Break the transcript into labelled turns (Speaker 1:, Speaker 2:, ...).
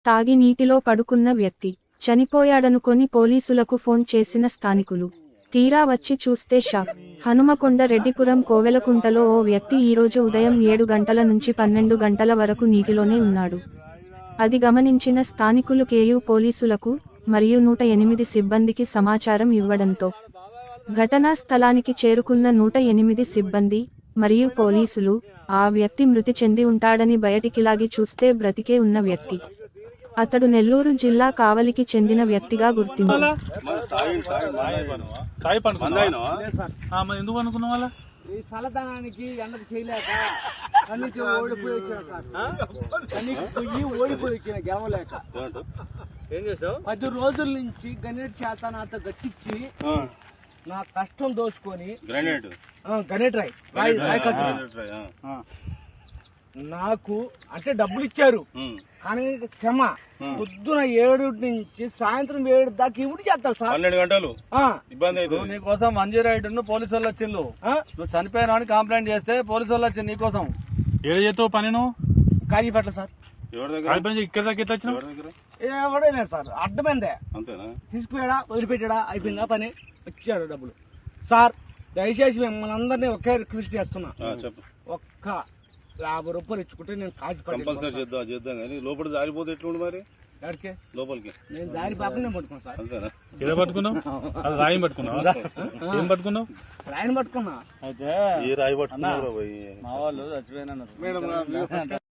Speaker 1: తాగి నీటిలో పడుకున్న వ్యక్తి చనిపోయాడనుకొని పోలీసులకు ఫోన్ చేసిన స్థానికులు తీరా వచ్చి చూస్తే షాక్. హనుమకొండ రెడ్డిపురం కోవెలకుంటలో ఓ వ్యక్తి ఈరోజు ఉదయం 7 గంటల నుంచి 12 గంటల వరకు నీటిలోనే ఉన్నాడు. అది గమనించిన స్థానికులు కేయూ పోలీసులకు మరియు 108 సిబ్బందికి సమాచారం ఇవ్వడంతో ఘటనా స్థలానికి చేరుకున్న 108 సిబ్బంది మరియు పోలీసులు ఆ వ్యక్తి మృతి చెంది ఉంటాడని బయటికిలాగి చూస్తే బ్రతికే ఉన్న వ్యక్తి. అతడు నెల్లూరు జిల్లా కావలికి చెందిన వ్యక్తిగా గుర్తింపు.
Speaker 2: ఈ చల్లదనానికి ఎండకు చేయలేక కన్నీకి ఓడిపోయి వచ్చిన గెలవలేక
Speaker 3: ఏం చేసావు?
Speaker 2: 10 రోజుల నుంచి గణేట్ చేత నాతో గట్టించి నా కష్టం దోచుకొని గణేట్ రాయ్ నాకు అంటే డబ్బులు ఇచ్చారు కానీ క్షమ పొద్దున 7 నుంచి సాయంత్రం 7 దాకా ఇవి చేస్తారు సార్.
Speaker 3: 12 గంటలు ఇబ్బంది అవుతుంది. నీకోసం మంజీరాయుడు పోలీసు వాళ్ళు వచ్చిండు. నువ్వు చనిపోయినా అని కంప్లైంట్ చేస్తే పోలీసు వాళ్ళు వచ్చింది నీకోసం.
Speaker 4: ఏడు చేస్తావు పని నువ్వు?
Speaker 2: కాజీపేట సార్.
Speaker 4: ఇక్కడ దాకా వచ్చిన
Speaker 2: ఎవడలేదు సార్, అడ్డమైందే.
Speaker 3: అంతేనా?
Speaker 2: తీసుకుపోయాడా వదిలిపెట్టాడా అయిపోయిందా పని, వచ్చాడు డబ్బులు. సార్ దయచేసి మిమ్మల్ని అందరినీ ఒకే రిక్వెస్ట్ చేస్తున్నా, ఒక్క 50 రూపాయలు ఇచ్చుకుంటే నేను
Speaker 3: కంపల్సరీ చేద్దాం కానీ లోపల జారిపోతే ఎట్లుండి మరి లోపలికి
Speaker 2: నేను దారి పాపని నేను పట్టుకున్నా సార్.
Speaker 3: అంతేనా?
Speaker 4: ఏదో పట్టుకున్నావు? అది రాయి పట్టుకున్నావు? ఏం పట్టుకున్నావు?
Speaker 2: రాయిని పట్టుకున్నా.
Speaker 3: అయితే ఏ రాయి పట్టుకున్నావు?
Speaker 2: మా వాళ్ళు చచ్చిపోయినా.